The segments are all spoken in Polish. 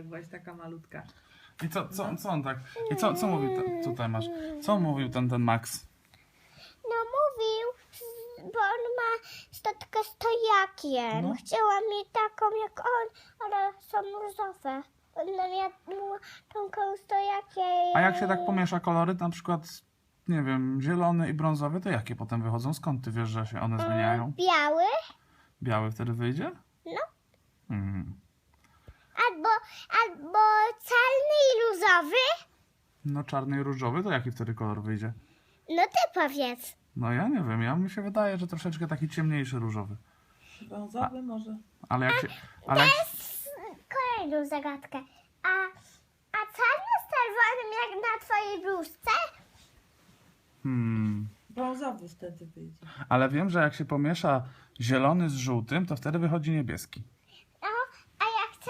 byłaś taka malutka. I co on tak? I co mówił tutaj masz? Co on mówił ten Max? No mówił, bo on ma statkę stojakiem. No. Chciałam mieć taką jak on, ale są różowe. Ona miała tą stojakiem. A jak się tak pomiesza kolory, na przykład, nie wiem, zielony i brązowy, to jakie potem wychodzą? Skąd ty wiesz, że się one zmieniają? Biały Biały wtedy wyjdzie? No. albo czarny i różowy. No czarny i różowy, to jaki wtedy kolor wyjdzie? No ty powiedz. No ja nie wiem, mi się wydaje, że troszeczkę taki ciemniejszy różowy. Brązowy może. Ale jak się... Ale jak... Kolejną zagadkę. A czarny z czerwonym jak na twojej bluzce? Brązowy wtedy wyjdzie. Ale wiem, że jak się pomiesza zielony z żółtym, to wtedy wychodzi niebieski. No, a jak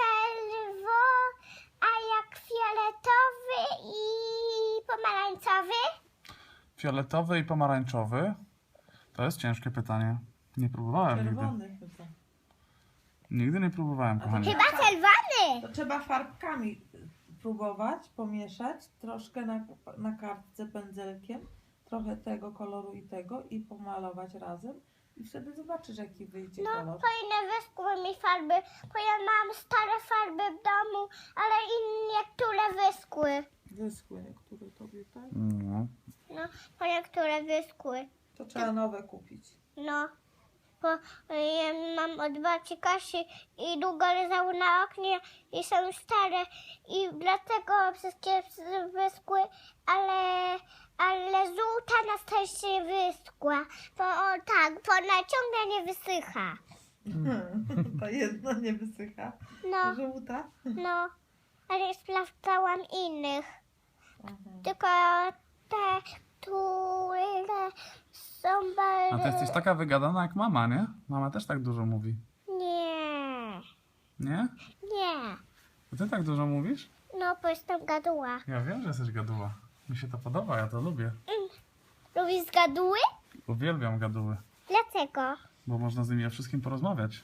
a jak fioletowy i pomarańczowy? Fioletowy i pomarańczowy? To jest ciężkie pytanie. Nie próbowałem nigdy. Czerwony chyba. Nigdy nie próbowałem, kochani. Chyba czerwony. To trzeba farbkami próbować, pomieszać. Troszkę na kartce pędzelkiem. Trochę tego koloru i tego i pomalować razem. I wtedy zobaczysz, jaki wyjdzie No, kolor. fajne wyschły mi farby, bo ja mam stare farby w domu, ale niektóre wyschły. Wyschły niektóre tobie, tak? No. No, bo niektóre wyschły. To trzeba nowe kupić. No, bo ja mam od babci Kasi i długo leżały na oknie i są stare i dlatego wszystkie wyschły, ale żółta na szczęście wyschła, bo bo ona ciągle nie wysycha. To jedno nie wysycha. No, Żółta. no, ale sprawdzałam innych, tylko te, które są A ty jesteś taka wygadana jak mama, nie? Mama też tak dużo mówi. Nie, Nie? nie. To ty tak dużo mówisz? No, bo jestem gaduła. Ja wiem, że jesteś gaduła. Mi się to podoba, ja to lubię. Lubisz gaduły? Uwielbiam gaduły, Dlaczego? bo można z nimi o wszystkim porozmawiać.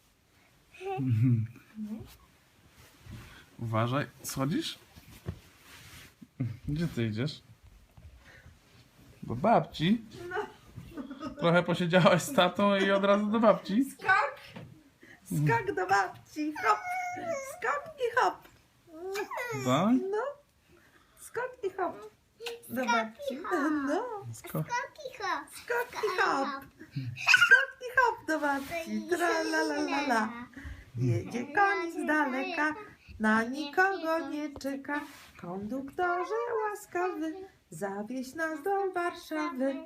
Uważaj, schodzisz? Gdzie ty idziesz? Do babci? Trochę posiedziałaś z tatą i od razu do babci? Skok! Skok do babci. Hop! Skok i hop. Tak? No. Skok i hop. Do babci. No. Kicho. Skok i hop. Skok i hop do babci. Tra la la la la. Jedzie koń z daleka. Na nikogo nie czeka. Konduktorze łaskawy. Zawieź nas do Warszawy.